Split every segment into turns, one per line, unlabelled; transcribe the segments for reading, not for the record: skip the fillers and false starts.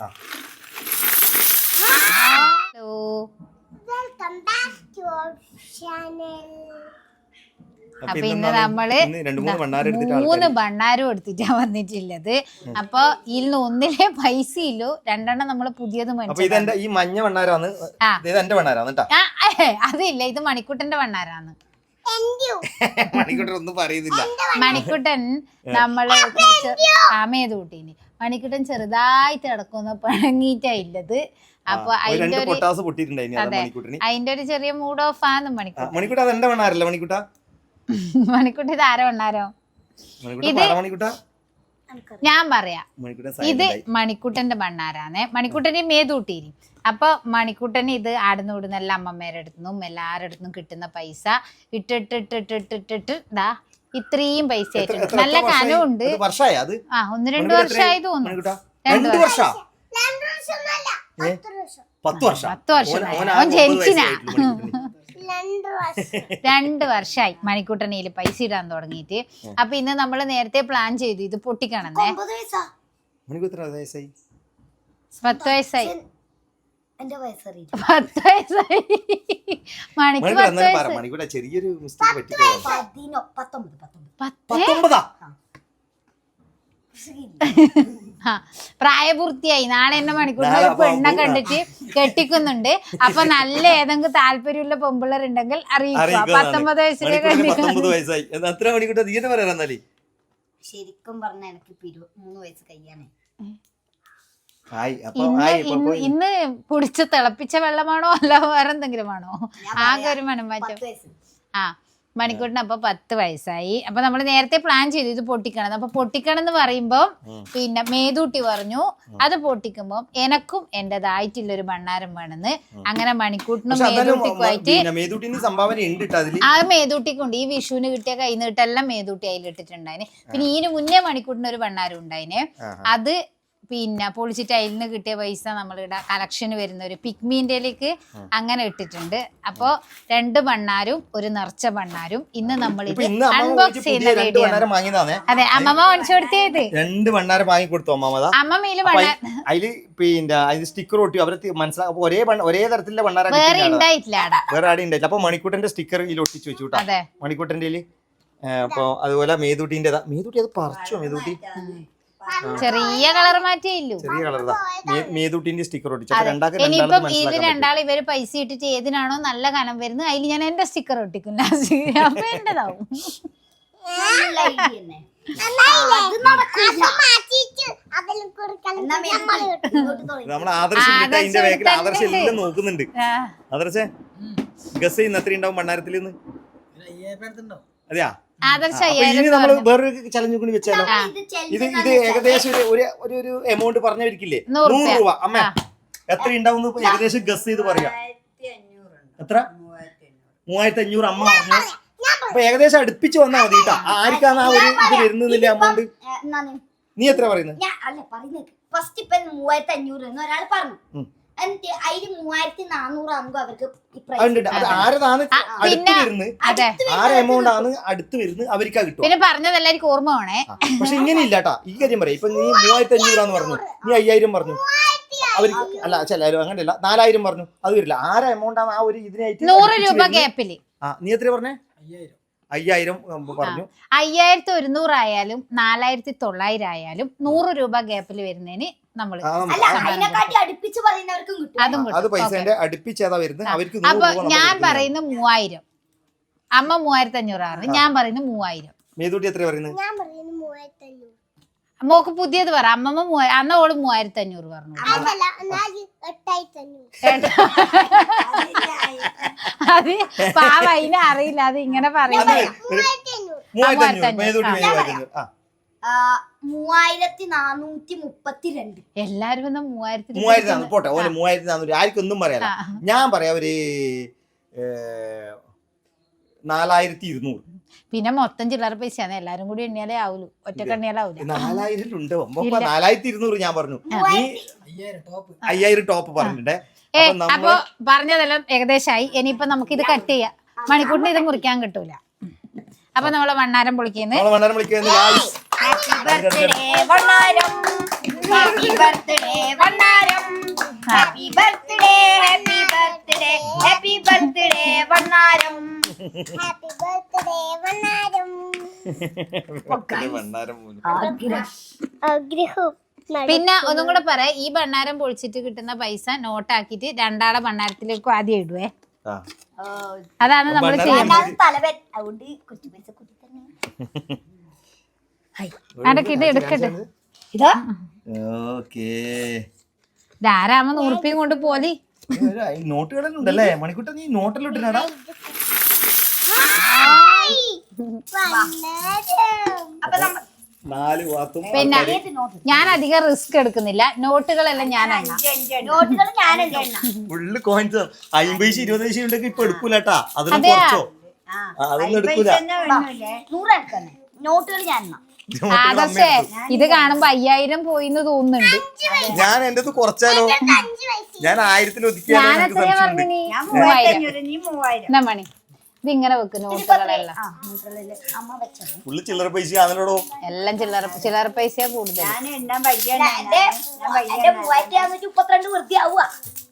Hello,
welcome back to our channel.
അപ്പൊ ഇന്ന് നമ്മള് 3 ഭണ്ണാരം എടുത്തിട്ടാ വന്നിട്ടുള്ളത്. അപ്പൊ ഇതിൽ ഒന്നിലെ പൈസ ഇല്ലോ, 2 നമ്മൾ പുതിയത്
ഈ മഞ്ഞ ഭണ്ണാരാണ്.
അതില്ല, ഇത് മണിക്കുട്ടന്റെ ഭണ്ണാരാണ്.
മണിക്കുട്ടൻ ഒന്നും പറയുന്നില്ല.
മണിക്കുട്ടൻ നമ്മള് മേതൂട്ടീന് മണിക്കുട്ടൻ ചെറുതായിട്ട് കിടക്കുന്ന പിണങ്ങിയിട്ടാ ഇല്ലത്. അപ്പൊ അതിന്റെ ഒരു ചെറിയ മൂഡ് ഓഫ് ആണ് മണിക്കുട്ടൻ. മണിക്കുട്ട ഇത് ആര വണ്ണാരോ? ഇത് ഞാൻ പറയാം, ഇത് മണിക്കുട്ടന്റെ ഭണ്ണാരാണ്. മണിക്കുട്ടന്റെ മേതൂട്ടീനി. അപ്പൊ മണിക്കുട്ടന് ഇത് ആടുന്ന ഇടുന്ന എല്ലാ അമ്മമ്മേരുടെ അടുത്തുനിന്നും എല്ലാവരുടെ അടുത്തുനിന്നും കിട്ടുന്ന പൈസ ഇട്ടിട്ടിട്ടിട്ടിട്ടിട്ടിട്ട് ദാ ഇത്രയും പൈസ ആയിട്ടുണ്ട്. നല്ല കനമുണ്ട്. 1-2 വർഷമായി തോന്നുന്നു. 2 വർഷം 10 വർഷം ജനിച്ചിനാ. 2 വർഷമായി മണിക്കൂട്ടനയിൽ പൈസ ഇടാൻ തുടങ്ങിയിട്ട്. അപ്പൊ ഇന്ന് നമ്മള് നേരത്തെ പ്ലാൻ ചെയ്തു ഇത് പൊട്ടിക്കണമെന്നേ. 10 വയസ്സായി. 10 വയസ്സായി. മണിക്ക് 10 പ്രായപൂർത്തിയായി. നാളെ എന്നെ മണിക്കൂറിന് ഒരു പെണ്ണെ കണ്ടിട്ട് കെട്ടിക്കുന്നുണ്ട്. അപ്പൊ നല്ല ഏതെങ്കിലും താല്പര്യമുള്ള പെമ്പിള്ളേരുണ്ടെങ്കിൽ അറിയിക്കുക. 19 വയസ്സിലേക്ക്
ശരിക്കും പറഞ്ഞ എനിക്ക് 23 വയസ്സ് കഴിയാനേ.
ഇന്ന് കുടിച്ച് തിളപ്പിച്ച വെള്ളമാണോ അല്ല വേറെ എന്തെങ്കിലും ആണോ? ആകെ ഒരു മണമാറ്റം. മണിക്കൂട്ടിന് അപ്പൊ 10 വയസ്സായി. അപ്പൊ നമ്മൾ നേരത്തെ പ്ലാൻ ചെയ്തു ഇത് പൊട്ടിക്കണം. അപ്പൊ പൊട്ടിക്കണം എന്ന് പറയുമ്പോ പിന്നെ മേതൂട്ടി പറഞ്ഞു അത് പൊട്ടിക്കുമ്പോ എനക്കും എന്റേതായിട്ടുള്ളൊരു ഭണ്ണാരം വേണമെന്ന്. അങ്ങനെ മണിക്കൂട്ടിനും മേതൂട്ടിക്കുമായിട്ട് ആ മേതൂട്ടിക്കുണ്ട്. ഈ വിഷുവിന് കിട്ടിയ കൈ നീട്ടെല്ലാം മേതൂട്ടി അതിലിട്ടിട്ടുണ്ടായിന്. പിന്നെ ഇതിന് മുന്നേ മണിക്കൂട്ടിന് ഒരു ഭണ്ണാരം ഉണ്ടായിന്. അത് പിന്നെ പൊളിച്ചിട്ട് അതിൽ നിന്ന് കിട്ടിയ പൈസ നമ്മളിവിടെ കളക്ഷന് വരുന്ന ഒരു പിഗ്മീൻ്റെലേക്ക് അങ്ങനെ ഇട്ടിട്ടുണ്ട്. അപ്പൊ 2 ഭണ്ണാരും ഒരു നിറച്ച ഭണ്ണാരും ഇന്ന് നമ്മൾ ഇത് അൺബോക്സ് ചെയ്യുന്ന വീഡിയോ. അതെ, അമ്മമ്മ മേടിച്ചു കൊടുത്തേത്
2 ഭണ്ണാരം വാങ്ങി കൊടുത്തു
അമ്മമ്മയില്
പിന്നെ സ്റ്റിക്കർ ഒട്ടി. അവർക്ക് മനസ്സിലാക്കും ഒരേ തരത്തിലുള്ള ഭണ്ണാരം
വേറെ ഉണ്ടായിട്ടില്ല.
വേറെ ആടെ ഉണ്ടായില്ല. അപ്പൊ മണിക്കൂട്ടന്റെ സ്റ്റിക്കർ ഇതിൽ ഒട്ടിച്ചു വെച്ചു കേട്ടോ മണിക്കൂട്ടന്റെ. അപ്പൊ അതുപോലെ മേതൂട്ടിന്റെ അത് പറിച്ചോ മേതൂട്ടി?
ചെറിയ കളർ മാറ്റിയില്ലു.
ചെറിയ കളറാ മേതൂട്ടിന്റെ സ്റ്റിക്കർ ഒട്ടിച്ചു.
ഇനിയിപ്പം ഇത് രണ്ടാൾ ഇവര് പൈസ ഇട്ടിട്ട് ഏതിനാണോ നല്ല കനം വരുന്നത് അതിൽ ഞാൻ എന്റെ സ്റ്റിക്കർ ഒട്ടിക്കും. അപ്പൊ എന്റേതാവും.
ആദർശം നോക്കുന്നുണ്ട്. ആദർശേ ഗസ് ചെയ്യുന്ന എത്ര ഉണ്ടാവും ഭണ്ണാരത്തിൽ നിന്ന്? അതെയാ? ഇനി നമ്മള് വേറൊരു ചലഞ്ച് കൂടി വെച്ചാലോ? ഇത് ഏകദേശം ഒരു എമൗണ്ട് പറഞ്ഞവരിക്കില്ലേ? 100 രൂപ. അമ്മ എത്ര ഉണ്ടാവും ഏകദേശം ഗസ് ചെയ്ത് പറയാം. എത്ര? 3500 അമ്മ പറഞ്ഞു. അപ്പൊ ഏകദേശം അടുപ്പിച്ച് വന്നാ മതി കേട്ടാ. ആർക്കാണ് ആ ഒരു ഇത് വരുന്നില്ല എമൗണ്ട്? നീ എത്ര പറയുന്നത്?
ഫസ്റ്റ് ഇപ്പൊ 3500 എന്ന് ഒരാൾ പറഞ്ഞു. അതിന് 3400 ആകുമ്പോ അവർക്ക്
പിന്നെ പറഞ്ഞതെല്ലാവർക്കും ഓർമ്മ വേണേ.
പക്ഷെ ഇങ്ങനെ ഇല്ലാട്ടാ. ഈ കാര്യം പറയാം. ഇപ്പൊ നീ 3500 പറഞ്ഞു, നീ 5000 പറഞ്ഞു. അവർക്ക് അല്ല ചിലരും അങ്ങനെയല്ല 4000 പറഞ്ഞു. അത് വരില്ല. ആരെ എമൗണ്ട് ആണ് ആ ഒരു ഇതിനായിട്ട്
100 രൂപ ഗ്യാപ്പില്.
നീ എത്ര പറഞ്ഞേ? 5000 പറഞ്ഞു.
5100 ആയാലും 4900 ആയാലും 100 രൂപ ഗ്യാപ്പിൽ വരുന്നതിന് നമ്മള് അപ്പൊ ഞാൻ പറയുന്ന 3000, അമ്മ 3500 ആണ്. ഞാൻ പറയുന്ന 3000.
മേതൂട്ടി എത്ര പറയുന്നത്?
മോക്ക് പുതിയത് പറ. അമ്മമ്മ അന്ന് ഓള് 3500 പറഞ്ഞു. അത് പാവ അതിനെ അറിയില്ല. അത് ഇങ്ങനെ പറയുന്നത്
3432.
എല്ലാരും
3000 പോട്ടെ. 3400 ആർക്കൊന്നും പറയാല. ഞാൻ പറയാ ഒരു 4200.
പിന്നെ മൊത്തം ചില്ലറ പൈസയാണ്. എല്ലാരും കൂടി എണ്ണിയാലേ ആവൂലു. ഒറ്റക്ക് എണ്ണിയാലാവൂല.
4000 ഉണ്ട്. 4200 ഞാൻ പറഞ്ഞു. 5000 ടോപ്പ് പറഞ്ഞിട്ടേ.
അപ്പൊ പറഞ്ഞതെല്ലാം ഏകദേശമായി. ഇനിയിപ്പൊ നമുക്ക് ഇത് കട്ട് ചെയ്യാം. മണിക്കൂറിന് ഇത് മുറിക്കാൻ കിട്ടൂല. അപ്പൊ നമ്മള് ഭണ്ണാരം പൊളിക്കുന്നത്.
ഭണ്ണാരം പൊളിക്കുന്നത്
ഹാപ്പി ബർത്ത്ഡേ വണ്ണാരം happy birthday happy birthday happy birthday വണ്ണാരം ഹാപ്പി ബർത്ത്ഡേ വണ്ണാരം ആഗ്രഹം.
പിന്നെ ഒന്നും കൂടെ പറയാം, ഈ ഭണ്ണാരം പൊളിച്ചിട്ട് കിട്ടുന്ന പൈസ നോട്ടാക്കിയിട്ട് രണ്ടാളെ ഭണ്ണാരത്തിലേക്കും ആദ്യം ഇടുവേ. അതാണ് നമ്മൾ ചെയ്യുന്നത്.
തലവൻ അതുകൊണ്ട് കുറച്ച് പൈസ കൂട്ടി തന്നെ
അടക്ക് ഇത് എടുക്കട്ടെ.
ഇതാ
ധാരാമ 100 രൂപയും കൊണ്ട് പോലി.
നോട്ടുകളുണ്ടല്ലേ മണിക്കൂട്ട, നീ നോട്ടിലിട്ടാ
അപ്പൊ നമ്മ
4 വാത്തും.
പിന്നെ ഞാൻ അധികം റിസ്ക് എടുക്കുന്നില്ല, നോട്ടുകളെല്ലാം ഞാൻ എണ്ണാം.
നോട്ടുകൾ ഞാനല്ലേ എണ്ണ
ഫുള്ള് കോയിൻസ് 50 20 ഉണ്ടെങ്കിൽ ഇപ്പൊ എടുക്കൂലട്ടാ, അതൊന്നും കുറച്ചോ, അതൊന്നും എടുക്കൂല.
100 എടുക്കുന്നേ നോട്ടുകൾ ഞാൻ എണ്ണ.
ആദർശേ ഇത് കാണുമ്പോ 5000 പോയിന്ന് തോന്നുന്നുണ്ട്.
ഞാൻ എന്റെ കുറച്ചാലോ, ഞാൻ 1000 ഒതുക്കിയാലോ
ഞാൻ
എനിക്ക്
എത്രയാ
സംശയമുണ്ട്.
പറഞ്ഞിനി? 3000. എന്നാ മണി ഇതിങ്ങനെ വെക്ക് നോട്ടുകളെല്ലാം.
അമ്മ വെച്ചത്
ഫുള്ള് ചില്ലറ പൈസ ആണല്ലോടോ.
എല്ലാം ചില്ലറ പൈസ കൂടുതൽ.
എന്റെ 3632 വൃത്തിയാവുക.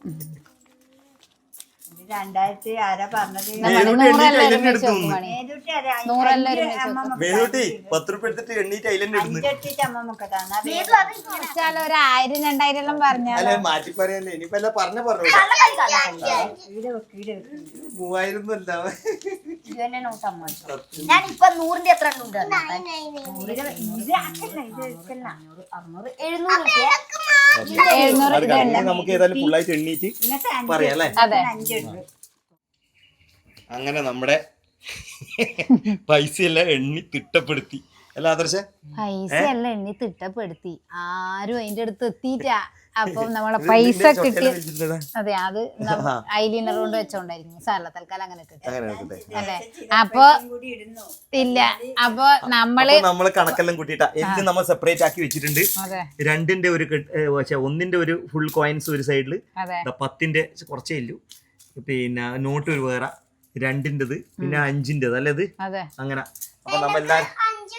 2000 ആരാ പറഞ്ഞത്?
നൂറെല്ലാം ഒരുമിച്ച് വെക്കും മണി.
മേതൂട്ടി അതെ,
നൂറെല്ലാം ഒരുമിച്ച് വെക്കും.
മേതൂട്ടി 10 രൂപ എടുത്തിട്ട് എണ്ണീറ്റ് അതിലെന്നെ ഇടുന്നു.
അഞ്ചെട്ടിട്ട് അമ്മമ്മക്ക് തന്നാ
മേതു അത്
വെച്ചാലോ ഒരു 1000 2000 എല്ലാം പറഞ്ഞാൽ
അല്ലെ മാറ്റി പറയല്ലേ, ഇനിയിപ്പോ എല്ലാം പറഞ്ഞു
ഈടെ വെക്ക്, ഈടെ വെക്ക്.
3000 ഒന്നും അല്ല.
ഇത് തന്നെ നോട്ട് അമ്മ ഞാൻ ഇപ്പൊ 100ന്റെ എത്ര ഉണ്ട്
ഇത് ആക്കല്ല, ഇത് വെക്കല്ല.
600 700
അത് കഴിഞ്ഞ് നമുക്ക് ഏതായാലും ഫുള്ളായിട്ട് എണ്ണീറ്റ്
ഇങ്ങനത്തെ
പറയാം അല്ലേ.
അതെ.
5
അങ്ങനെ നമ്മുടെ പൈസയെല്ലാം എണ്ണി തിട്ടപ്പെടുത്തി അല്ല ആദർശ.
പൈസ എല്ലാം എണ്ണി തിട്ടപ്പെടുത്തി, ആരും അതിന്റെ അടുത്ത് എത്തിയിട്ടാ. അപ്പൊ നമ്മളെ പൈസ കിട്ടി. അതെ, അത് ഐലൈനർ കൊണ്ട് വെച്ചോണ്ടായിരിക്കും സാറില്ല, തൽക്കാലം അങ്ങനെ കിട്ടും അല്ലേ. അപ്പൊ
കൂടി ഇടുന്നു.
ഇല്ല, അപ്പൊ നമ്മള്
കണക്കെല്ലാം കൂട്ടിയിട്ടാ എനിക്ക് നമ്മൾ സെപ്പറേറ്റ് ആക്കി വെച്ചിട്ടുണ്ട്.
അതെ
2ന്റെ ഒരു ഒന്നിന്റെ ഒരു ഫുൾ കോയിൻസ് ഒരു സൈഡില്,
അതെ
10ന്റെ കുറച്ചേ ഇല്ലു, പിന്നെ നോട്ട് ഒരു വേറെ 2ന്റേത്, പിന്നെ 5ന്റേത് അല്ലേ ഇത്
അതെ.
അങ്ങനെ. അപ്പൊ നമ്മളെല്ലാരും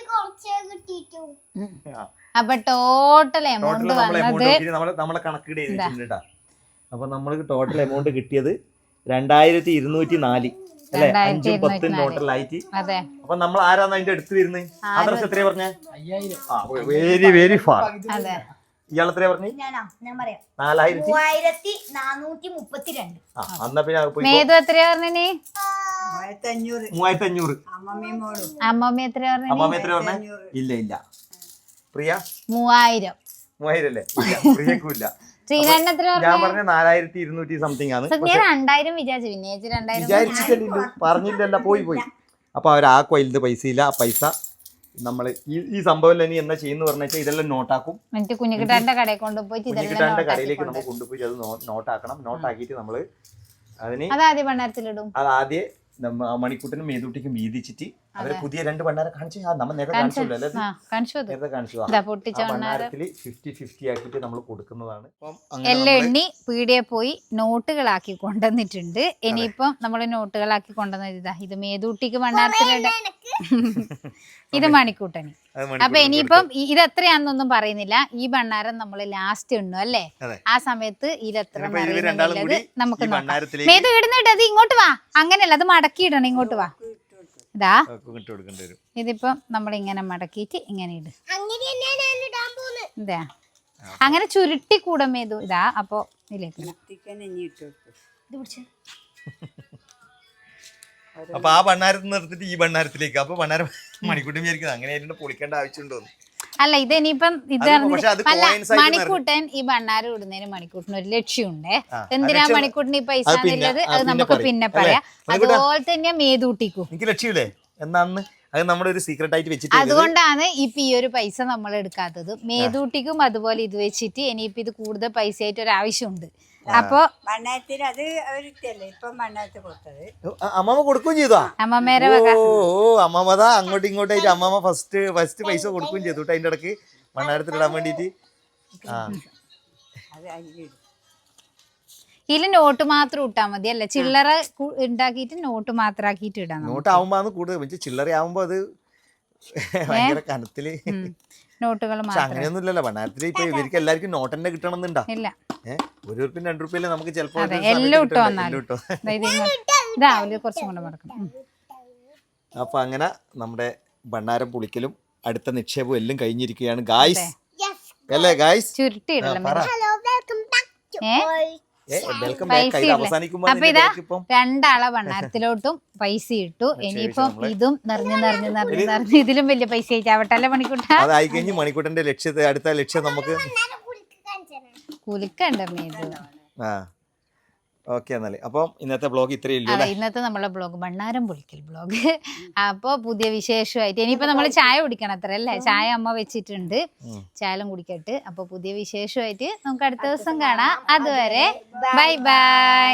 അപ്പൊ ടോട്ടൽ എമൗണ്ട് വന്നത്
നമ്മളെ കണക്കിടെ എഴുതിയിട്ടുണ്ട്. അപ്പൊ നമ്മൾക്ക് ടോട്ടൽ എമൗണ്ട് കിട്ടിയത് 2204 അല്ലെ, 5 10 ടോട്ടലായിട്ട്.
അതെ.
അപ്പൊ നമ്മൾ ആരാന്ന് അതിന്റെ അടുത്ത് വരുന്നത്? ആദർശ് എത്രയാ പറഞ്ഞേ? Very very far.
അതെ.
ഇയാൾ എത്രയാ പറഞ്ഞു?
ഞാൻ പറയാം
4432. എന്നാ പിന്നെ പോയി.
മേതു എത്രയാ പറഞ്ഞിനി?
3500.
അമ്മമ്മയും മോളും.
അമ്മമ്മ എത്രയാ പറഞ്ഞിനി?
അമ്മാമ എത്രയാ പറഞ്ഞേ? ഇല്ല ഇല്ല. പ്രിയ
3000.
3000 അല്ലേ? പ്രിയക്കും ഇല്ല.
ശ്രീനാരായണൻ എത്ര
ഞാൻ പറഞ്ഞ 4200 സംതിങ് ആണ്.
ഞാൻ 2000 വിചാരിച്ചു, പിന്നെ 2000
വിചാരിച്ചിട്ടില്ലല്ലോ, പറഞ്ഞില്ലല്ല, പോയി. അപ്പൊ അവർ ആ കൊയിലത് പൈസ ഇല്ല. ആ പൈസ നമ്മള് ഈ സംഭവം ഇനി എന്താ ചെയ്യുന്ന പറഞ്ഞാൽ ഇതെല്ലാം നോട്ടാക്കും.
എന്നിട്ട് കുഞ്ഞിക്കിട്ടാന്റെ കടയിൽ കൊണ്ടുപോയി
കുഞ്ഞിക്കിട്ടാന്റെ കടയിലേക്ക് നമുക്ക് കൊണ്ടുപോയി അത് നോട്ടാക്കണം. നോട്ടാക്കിയിട്ട് നമ്മള് അതിന്
അതാദ്യം ഭണ്ണാരത്തിലിടും.
അത് ആദ്യം മണിക്കൂട്ടിനും മേതൂട്ടിക്കും വീതിച്ചിട്ട് അവരെ പുതിയ 2 ഭണ്ണാരം കാണിച്ചു. നമ്മൾ നേരത്തെ കാണിച്ചല്ലോ അല്ലേ? നേരത്തെ കാണിച്ചു. ഭണ്ണാരത്തില് 50-50 ആക്കിയിട്ട് നമ്മൾ കൊടുക്കുന്നതാണ്.
എല്ലാം എണ്ണി പീടിയെ പോയി നോട്ടുകളാക്കി കൊണ്ടുവന്നിട്ടുണ്ട്. ഇനിയിപ്പം നമ്മള് നോട്ടുകളാക്കി കൊണ്ടുവന്നത് ഇതാ, ഇത് മേതൂട്ടിക്ക് ഭണ്ണാരത്തിലിട, ഇത് മണിക്കൂട്ടന്. അപ്പൊ ഇനിയിപ്പം ഇത് എത്രയാന്നൊന്നും പറയുന്നില്ല. ഈ ഭണ്ണാരം നമ്മള് ലാസ്റ്റ് എണ്ണു അല്ലേ, ആ സമയത്ത് ഇതെത്ര പറയുന്നുള്ളത് നമുക്ക് നോക്കാം. മേതു ഇടുന്നിട്ട് അത് ഇങ്ങോട്ട് വാ, അങ്ങനെയല്ല, അത് മടക്കി ഇടണം, ഇങ്ങോട്ട് വാ. ഇതാ ഇതിപ്പം നമ്മളിങ്ങനെ മടക്കിയിട്ട് ഇങ്ങനെ ഇട്. ഇതാ അങ്ങനെ ചുരുട്ടി കൂടെ മേതു. ഇതാ അപ്പൊ ഇതിലേക്ക്
അപ്പൊ ആ ഭണ്ണാരത്തിൽ നിർത്തിട്ട് ഈ ഭണ്ണാരത്തിലേക്ക്. അപ്പൊ ഭണ്ണാരം മണിക്കൂട്ടി വിചാരിക്കുന്നത് അങ്ങനെ ആയിട്ട് പൊളിക്കേണ്ട ആവശ്യമുണ്ടോ?
അല്ല, ഇത് ഇനിയിപ്പം ഇത് അല്ല, മണിക്കൂട്ടൻ ഈ ഭണ്ണാരം ഇടുന്നതിന് മണിക്കൂട്ടിന് ഒരു ലക്ഷ്യമുണ്ട്. എന്തിനാ മണിക്കൂട്ടിന് ഈ പൈസ എന്നുള്ളത് അത് നമുക്ക് പിന്നെ പറയാം. അതുപോലെ തന്നെ മേതൂട്ടിക്കും
എനിക്ക് ലക്ഷ്യമില്ലേ എന്നാന്ന്, അത് നമ്മുടെ ഒരു സീക്രട്ട് ആയിട്ട് വെച്ചിട്ട്.
അതുകൊണ്ടാണ് ഇപ്പൊ ഈ ഒരു പൈസ നമ്മൾ എടുക്കാത്തത്. മേതൂട്ടിക്കും അതുപോലെ ഇത് വെച്ചിട്ട് ഇനിയിപ്പോ ഇത് കൂടുതൽ പൈസ ആയിട്ട് ഒരു ആവശ്യമുണ്ട്. അപ്പൊ
മണ്ണായത്തിൽ അത് അവരിട്ടല്ലേ ഇപ്പം മണ്ണായത്ത് കൊടുത്തത്.
അമ്മമ്മ കൊടുക്കുകയും ചെയ്താ
അമ്മമ്മേരെ
അമ്മമ്മതാ അങ്ങോട്ടും ഇങ്ങോട്ടായിട്ട് അമ്മമ്മ ഫസ്റ്റ് പൈസ കൊടുക്കുകയും ചെയ്തു കേട്ടോ. അതിന്റെ ഇടക്ക് ഭണ്ണാരത്തിലിടാൻ വേണ്ടിട്ട്.
അത് അരിയിടും.
ഇതില് നോട്ട് മാത്രം ഇട്ടാ മതി അല്ലേ? ചില്ലറ ഉണ്ടാക്കിയിട്ട് നോട്ട് മാത്രം ആക്കിയിട്ട് ഇടാം.
നോട്ട് ആവുമ്പോ കൂടുതൽ ചില്ലറ ആവുമ്പോ അത് ഭയങ്കര കനത്തില്.
നോട്ടുകൾ
പക്ഷെ
മാത്രം
അങ്ങനെയൊന്നും ഇല്ലല്ലോ ഭണ്ണാരത്തില്. ഇപ്പൊ ഇവർക്ക് എല്ലാവർക്കും നോട്ട് തന്നെ കിട്ടണമെന്നുണ്ടാ.
ഇല്ല.
₹1 ₹2 നമുക്ക് ചിലപ്പോ
എല്ലാം ഇട്ട് വന്നാലും ഇതാവില്ല, കുറച്ചും കൂടെ മടക്കണം.
അപ്പൊ അങ്ങനെ നമ്മുടെ ഭണ്ണാരം പുളിക്കലും അടുത്ത നിക്ഷേപവും എല്ലാം കഴിഞ്ഞിരിക്കുകയാണ് ഗായ്സ്. അല്ലേ ഗായ്സ്?
ചുരുട്ടിയിടണം.
Welcome back. അവസാനിക്കുമ്പോ
അപ്പൊ ഇതാ രണ്ടാളെ ഭണ്ണാരത്തിലോട്ടും പൈസ ഇട്ടു. ഇനിയിപ്പം ഇതും നിറഞ്ഞ് ഇതിലും വലിയ പൈസ ആയിട്ടാവട്ടെ അല്ലേ മണിക്കൂട്ട?
അതായി കഴിഞ്ഞ് മണിക്കൂട്ടന്റെ ലക്ഷ്യത്തെ അടുത്ത ലക്ഷ്യം നമുക്ക്
കുലുക്കണ്ടമ്മേ ഇത്.
ആ ഓക്കെ. എന്നാല് അപ്പം ഇന്നത്തെ ബ്ലോഗ് ഇത്രയേ ഉള്ളൂ.
ഇന്നത്തെ നമ്മളെ ബ്ലോഗ് ഭണ്ണാരം പൊളിക്കൽ ബ്ലോഗ്. അപ്പോൾ പുതിയ വിശേഷമായിട്ട് ഇനിയിപ്പോൾ നമ്മൾ ചായ കുടിക്കണം അത്ര അല്ലേ? ചായ അമ്മ വെച്ചിട്ടുണ്ട്, ചായലും കുടിക്കട്ടെ. അപ്പോൾ പുതിയ വിശേഷമായിട്ട് നമുക്ക് അടുത്ത ദിവസം കാണാം. അതുവരെ ബൈ ബൈ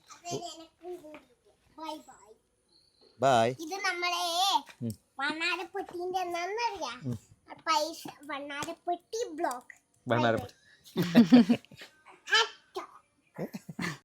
ബൈ.
ഇത് നമ്മളെ വണ്ണാരപ്പെട്ടിന്റെ എന്നറിയാം, പൈസ വണ്ണാരപ്പെട്ടി ബ്ലോഗ്.
ഭണ്ണാരപ്പെട്ടി